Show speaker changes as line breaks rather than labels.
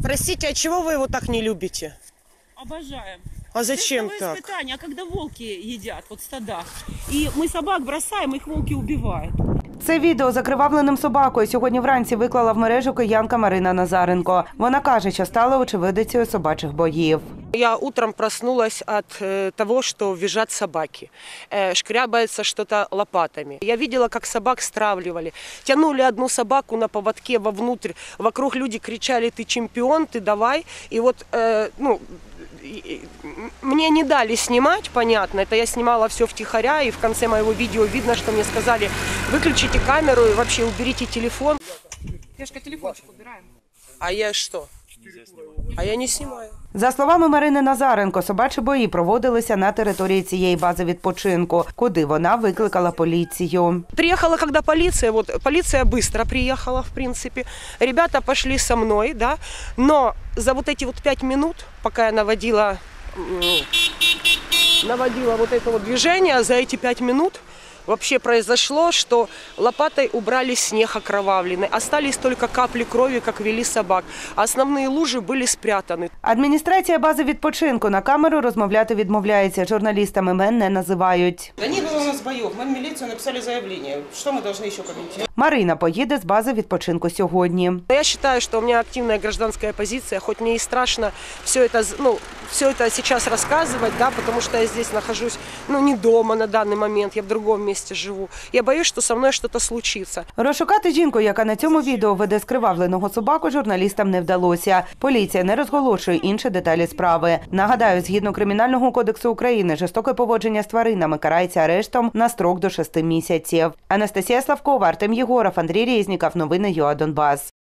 Простите, а чего вы его так не любите?
Обожаем.
А зачем так?
Испытание, а когда волки едят, вот стада, и мы собак бросаем, их волки убивают.
Це відео з окривавленим собакою сьогодні вранці виклала в мережу киянка Марина Назаренко. Вона каже, що стала очевидицею собачих боїв.
Я утром проснулась от того, что визжат собаки, шкрябается что-то лопатами. Я видела, как собак стравливали. Тянули одну собаку на поводке вовнутрь, вокруг люди кричали: «Ты чемпион, ты давай». И вот, мне не дали снимать, понятно, это я снимала все втихаря, и в конце моего видео видно, что мне сказали: выключите камеру и вообще уберите телефон.
Девушка, телефончик убираем.
А я что? А я не снимаю.
За словами Марини Назаренко, собачі бої проводилися на території цієї бази відпочинку, куди вона викликала поліцію.
Приехала когда полиция, вот полиция быстро приехала, в принципе. Ребята пошли со мной, да, но за вот эти вот 5 минут, пока я наводила вот это вот движение, за эти 5 минут вообще произошло, что лопатой убрали снег окровавленный. Остались только капли крови, как вели собак. А основные лужи были спрятаны.
Адміністрація бази відпочинку на камеру розмовляти відмовляється. Журналістам імен не називають.
Да не было у нас боев. Мы в милицию написали заявление. Что мы должны еще комментировать?
Марина поїде з бази відпочинку сьогодні.
Я считаю, что у меня активная гражданская позиция, хоть мне и страшно все это сейчас рассказывать, да, потому что я здесь нахожусь, не дома на данный момент, я в другом месте живу. Я боюсь, что со мной что-то случится.
Розшукати жінку, яка на цьому відео веде скривавленого собаку, журналістам не вдалося. Поліція не розголошує інші деталі справи. Нагадаю, згідно Кримінального кодексу України, жорстоке поводження з тваринами карається арештом на строк до 6 місяців. Анастасія Славкова, Артем Єгоров, Андрій Резніков. Новини ЮА Донбас.